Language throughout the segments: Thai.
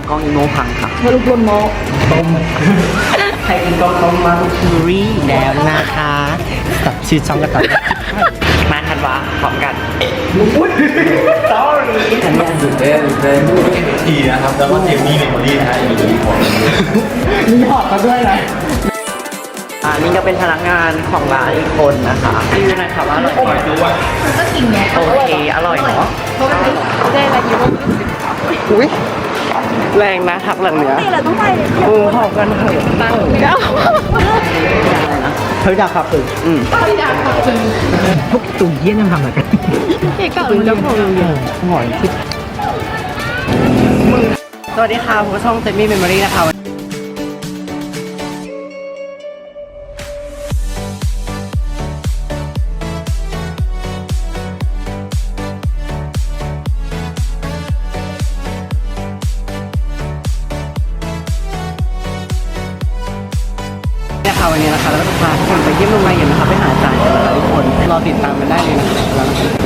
กล้องอีโมพังค่ะเธอลูกคนโมต้มใครกินต้มมาลูกคิวรี่แล้วนะคะกับชื่อช่องกันต่อมาทันวะพร้อมกันsorry อันนี้ตื่นเต้นทีนะครับแล้วก็เจมมี่เมมโมรี่นะฮะอยู่ในของมีหอดมาด้วยนะนี่ก็เป็นพนักงานของร้านอีกคนนะคะรีวิวหน่อยค่ะว่าอร่อยไหมก็กินไงโอเคอร่อยเนาะเพราะมันได้อะไรอยู่ว่าอุ้ยแรงนะทักหลังเนี้ยนี่แหละต้องไปพอกันเถอะตั้งเฮ้ยดาบขับถึงพวกตุ่มเยี่ยนยังทำอะไรกันเอกก็แล้วพอหอยทิพสวัสดีค่ะผมช่องเซมี่เมมโมรี่นะคะวันนี้นะคะเราก็จะพาทุกคนไปเยี่ยมโรงเรียนนะคะไปหาอาจารย์กันนะคะทุกคนรอติดตามกันได้เลยนะคะแล้ว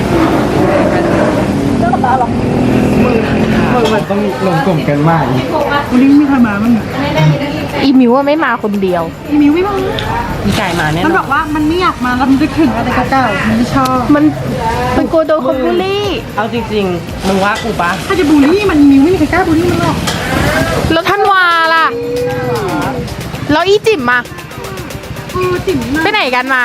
มันต้องลงกลุ่มกันมากวันนี้มีใครมาบ้างอีมิวว่าไม่มาคนเดียวอีมิวไม่มามีไก่มาแน่นมันอนบอกว่ามันไม่อยากมาแล้วมันจะถึงอะไรเก่าๆมันไม่ชอบมันกลัวโดนคนบูลลี่เอาจริงๆมึงว่ากูปะถ้าจะบูลลี่มันอีมิวไม่มีใครกล้าบูลลี่มันหรอกแล้วท่านวาล่ะแล้วอีจิ๋มมาจิ๋มมาไปไหนกันมา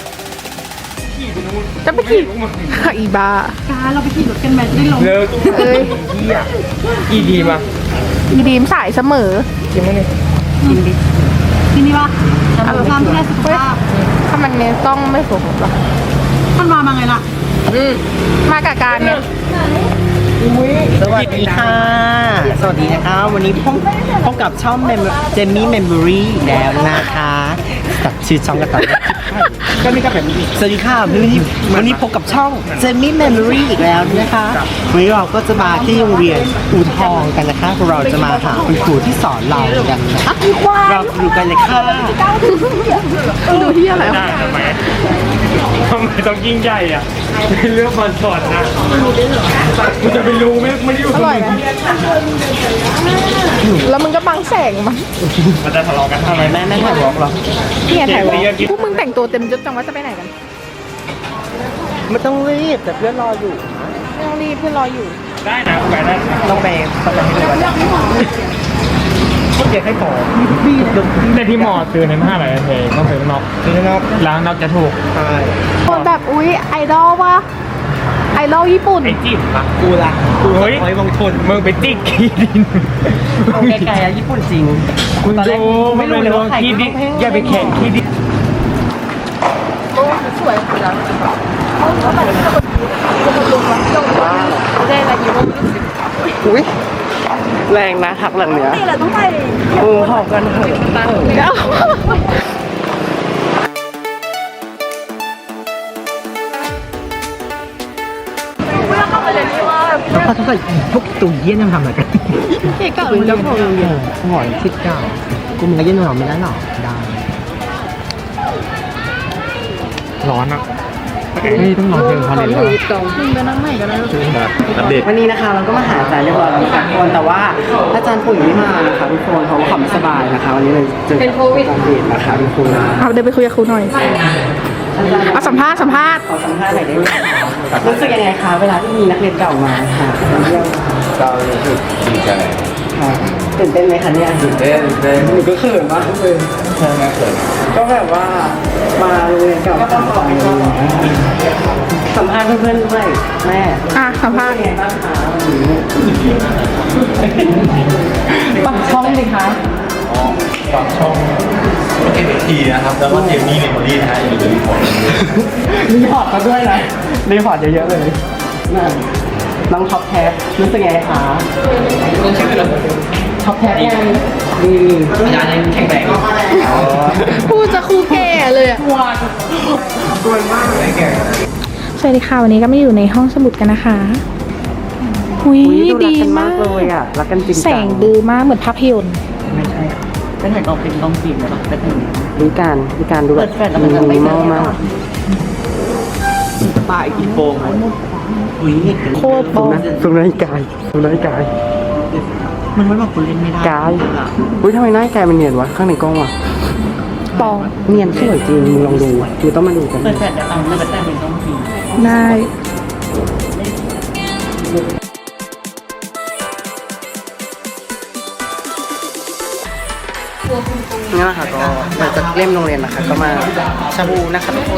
จะไปขี่อีบ้าการเราไปขี่รถกันไหมจะได้ลงเลิกเอ้ยอีดีมาอีดีมสายเสมอกินไหมเนี่ยกินดิทีนี้ว่าความเพื่อสุขภาพถ้ามันเนี่ยต้องไม่สมหรอมันมาไงล่ะมากับการเนี่ยสวัสดีค่ะสวัสดีนะคะวันนี้พบกับช่องเจมมี่เมมโมรี่แล้วนะคะกับชื่อช่องกันต่อก็นี่ก็แบบนี้สวัสดีค่ะวันนี้พบกับช่องเจมมี่เมมโมรี่อีกแล้วนะคะวันนี้เราก็จะมาที่โรงเรียนอู่ทองกันนะคะเราจะมาหาคุณครูที่สอนเรากันนะคะเราดูกันเลยค่ะดูที่อะไรวะทำไมต้องยิ่งใหญ่อ่ะเป็นเรื่องบอลสอนนะกูจะไปรู้ไม่ได้อยู่อร่อยไหมแล้วมึงก็บังแสงมันมันจะทะเลาะกันทำไมแม่ถ่ายวอล์กหรอเนี่ยถ่ายวอล์กพวกมึงแต่งตัวเต็มยศจังว่าจะไปไหนกันไม่ต้องรีบแต่เพื่อนรออยู่ไม่ต้องรีบเพื่อนรออยู่ได้นะไปได้ต้องไปให้ดูว่าพวกเด็กให้ขอในที่หมอซื้อในห้าหลายเพลงต้องซื้อนอกคือน้องล้างนอกจะถูกใช่คนแบบอุ๊ยไอดอลวะไอดอลญี่ปุ่นไอ้จิ้มปะกูละกูเฮ้ยไว้มงคลมึงไปจิกขี้ดินเอาไกลๆอะญี่ปุ่นจริงคุณตอนแรกดูไม่รู้เลยว่าใครขี้ดินต้องแพงอย่าไปแข่งขี้ดินสวยจังได้อะไรอยู่ว่าอุ้ยแรงนะทักหลังเนี้ยนี่แหละต้องไปหอบกันเถอะตั้งแล้วเข้าไปเลยนี่ว่าแล้วเขาต้องใส่พวกตุ่มเยี่ยนยังทำอะไรกันเอกก็แล้วพอหอยทิพย์เก่ากูมึงก็เยี่ยนหรอไม่ได้หรอได้ร้อนอ่ะนี่ต้องนอนเชิงพาเลนแล้วมึงไปนั่งไหนกันนะอัปเดตวันนี้นะคะเราก็มาหาอาจารย์เรียบร้อยแล้วทุกคนแต่ว่าอาจารย์ปุ๋ยไม่มานะคะทุกคนเขาขำสบายนะคะวันนี้เลยเจอเป็นโควิดนะคะทุกคนเอาเดินไปคุยกับครูหน่อยเอาสัมภาษณ์ขอสัมภาษณ์หน่อยได้ไหมคะรู้สึกยังไงคะเวลาที่มีนักเรียนเก่ามาค่ะเยี่ยมก็รู้สึกดีใจค่ะตื่นเต้นไหมคะเนี่ยตื่นเต้นหนูก็เขินมากเลยใช่ไหมเขินก็แบบว่ามาโรงเรียนเก่าก็ต้องบอกสัมภาษณ์เพื่อนๆด้วยแม่อ่ะสัมภาษณ์เป็นไงบ้างคะปักช่องดิคะฝากช่องทีนะครับแล้วก็เจมมี่เมมโมรี่นะฮะอยู่ในของรีพอร์ตมาด้วยนะรีพอร์ตเยอะๆเลยนั่นน้องท็อปแท็บรู้สึกไงคะท็อปแท็บไงดีอาจารย์ยังแข็งแรงพูดจะครูแก่เลยอ่ะตัวมากเลยแกสวัสดีค่ะวันนี้ก็มาอยู่ในห้องสมุดกันนะคะหุยดีมากเลยอ่ะรักกันจริงแสงดีมากเหมือนภาพยนตร์ไม่ใช่เป็นถ่ายออกเป็นกล้องฟิล์มเลยป่ะเป็นวิการดูแบบมินิมอลมากป้ายกินโฟมโคตรโป๊ะสุนัขกายมันไม่บอกคุณเล่นไม่ได้กายอุ้ยทำไมหน้าแกมันเนียนวะข้างในกล้องวะปองเนียนสวยจริงมึงลองดูมึงต้องมาดูกันเปิดแฟลชเดี๋ยวเอาเปิดแฟลชเป็นต้องพิมพ์ได้นี่แหละค่ะก็หลังจากเล่มโรงเรียนนะคะก็มาชาบูนะคะทุกคน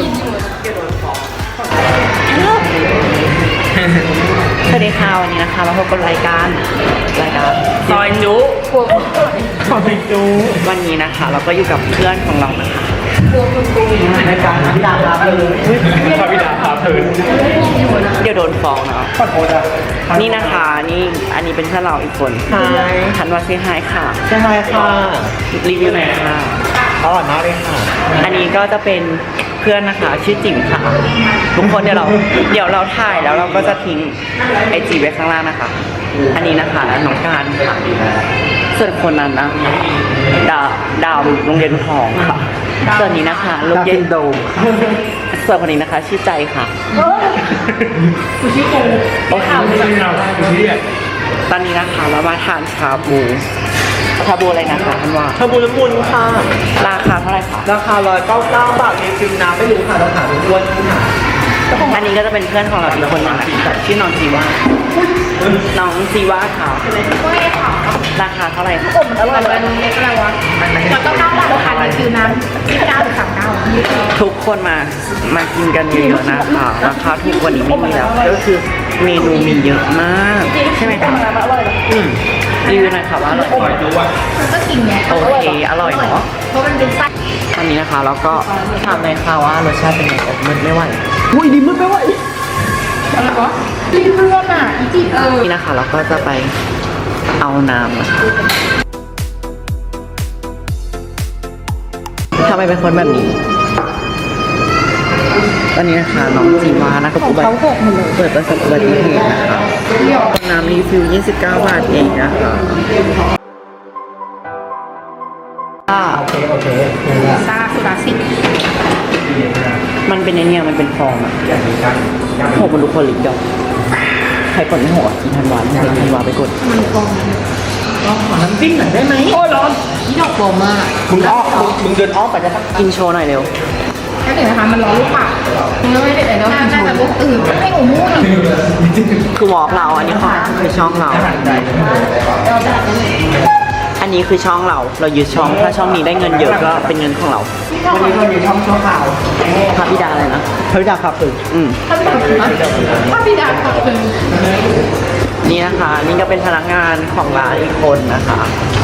สวัสดีค่ะวันนี้นะคะเราพบกับรายการซอยจุซอยจุวันนี้นะคะ เราก็อยู่กับเพื่อนของเรานะคะรายการพิดาพาเพลินพระบิดาพาเพลินเดี๋ยวโดนฟ้องเนาะขอโทษอ่ะนี่นะคะนี่อันนี้เป็นเพื่อนเราอีกคนทันว่าเซฮายค่ะใช่ไหมค่ะรีวิวหน่อยค่ะอร่อยมากเลยค่ะอันนี้ก็จะเป็นเพื่อนนะคะชื่อจิ๋มค่ะทุกคนเดี๋ยวเราถ่ายแล้วเราก็จะทิ้งไอจีไว้ข้างล่างนะคะ อันนี้นะคะน้องการค่ะส่วนคนนั้นนะดาวโรงเรียนทองค่ะส่วนนี้นะคะโรงเรียนโดมส่วนคนนี้นะคะชื่อใจค่ะโอเคตอนนี้นะคะเรามาทานชาบูอะไรนะคะท่านว่าชาบูน้ำมูลค่ะราคาเท่าไหร่คะราคา199 บาทมีฟิลน้ำไม่รู้ค่ะเราถามอ้วนค่ะอันนี้ก็จะเป็นเพื่อนของเราอีกคนนึงนะคะชื่อน้องจีว่าน้องจีว่าค่ะราคาเท่าไหร่คะอร่อยเลยเล็กอะไรวะแล้วก็9 บาทราคารีฟิลน้ำ29 หรือ 39 ทุกคนมากินกันเยอะๆนะคะราคาถูกกว่านี้ไม่มีแล้วก็คือเมนูมีเยอะมากใช่ไหมคะรีวิวหน่อยค่ะว่าอร่อยไหมมันก็กินไงโอเคอร่อยเนาะเพราะมันเป็นไส้ตอนนี้นะคะเราก็ถามเลยค่ะว่ารสชาติเป็นไงอดมึนไม่ไหวอุ้ยดีมึงไม่ไหวอะไรวะรีเพื่อนอ่ะอีจินี่นะคะเราก็จะไปเอาน้ำนะคะทำไมเป็นคนแบบนี้ตอนนี้นะคะน้องจีวานะคะเขาหกหมดเลยเปิดประสบอุบัติเหตุนะคะน้ำรีฟิล29 บาทเองนะคะโอเคซาสุราสิมันเป็นไอเนี่ยมันเป็นฟองอะหกมันดูคนลิกดอกใครกดไม่หกกินทันวานทันวาไปกดมันฟองขอน้ำจิ้มหน่อยได้ไหมโอ้ร้อนนี่ดอกฟองมากมึงเดินอ้อมไปได้ปะกินโชว์หน่อยเร็วถ้าเกิดนะคะมันร้อนลูกปากมันไม่ได้แต่เนาะน่าจะลูกตื่นให้หนูมู้หน่อยคือวอล์กเราอันนี้คือช่องเรา อันนี้คือช่องเรายึดช่องถ้าช่องนี้ได้เงินเยอะก็เป็นเงินของเราวันนี้เราอยู่ช่องชั่วคราวพระบิดาอะไรนะพระบิดาครับคือถ้าพี่ดาขอบคุณนี่นะคะ นี่ก็เป็นพนักงานของร้านอีกคนนะคะ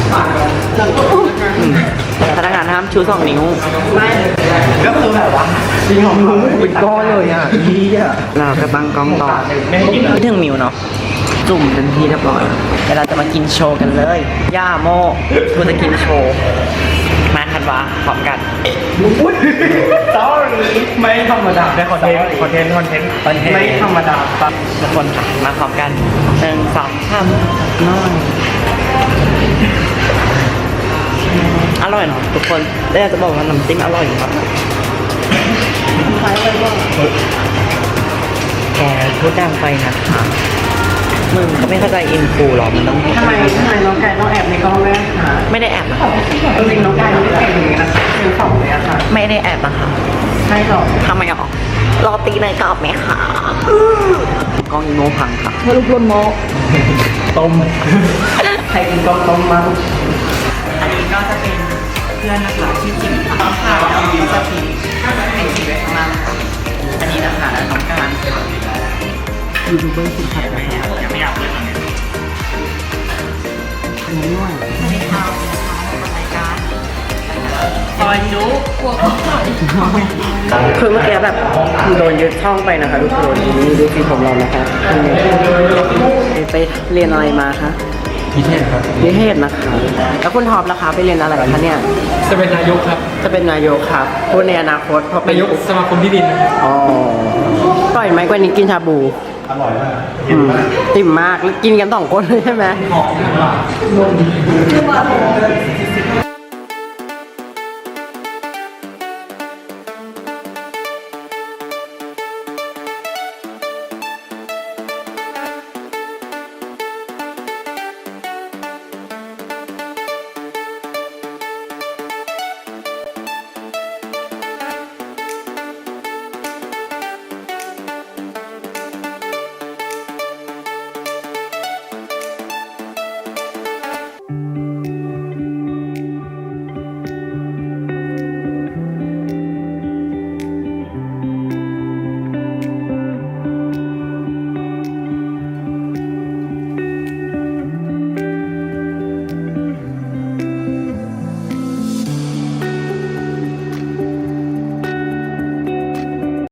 พนักงานห้ามชู2 นิ้วก็คือแบบว่าจริงของมึงเป็นก้อนเลยอ่ะยี่อ่ะเราก็ตั้งกล้องต่อไม่ถึงมิวเนาะจุ่มเป็นที่เรียบร้อยเดี๋ยวเราจะมากินโชว์กันเลยย่าโมกูจะกินโชว์มาทันวาพร้อมกัน sorry ไม่ธรรมดาได้คอนเทนต์ไม่ธรรมดาทุกคนค่ะมาพร้อมกัน1 2 3น้อยอร่อยเนาะทุกคนแล้วอยากจะบอกว่าน้ำจิ้มอร่อยมากแกพูดดังไปนะคะมึงก็ไม่เข้าใจอินฟูหรอมันต้องทำไมน้องไก่ต้องแอบในกล้องด้วยคะไม่ได้แอบนะคะจริงน้องไก่ไม่ได้แอบอย่างนี้นะคะเป็นสองเลยอะค่ะไม่ได้แอบนะคะใช่หรอทำไมหรอรอตีเลยกรอบไหมคะกล้องอีโมพังค่ะมาลุกลนโมต้มใครกินก้อนต้มมั้งอันนี้ก็จะเป็นเพื่อนนะคะชื่อจิ๋มค่ะค่ะแล้วก็จะทิ้งไอจีไว้ข้างล่างค่ะอันนี้นะคะน้องการยูทูบเบอร์สุดขัดนะคะยังไม่อยากเลยตอนนี้อันนี้ด้วยไม่เข้ารายการซอยจุ๊คือเมื่อกี้แบบโดนยึดช่องไปนะคะทุกคนนี่ดูฟีผมเรานะคะไปเรียนอะไรมาคะพิเศษครับนิเทศนะคะแล้วคุณท็อปนะคะไปเรียนอะไรคะเนี่ยจะเป็นนายกครับจะเป็นนายกครับพูดในอนาคตพอเป็นนายกสมาคมที่ดินอ๋อปล่อยไหมกว่านี้กินชาบูอร่อยมากติ่มมากแล้วกินกัน2 คนเลยใช่ไหมหอมมาก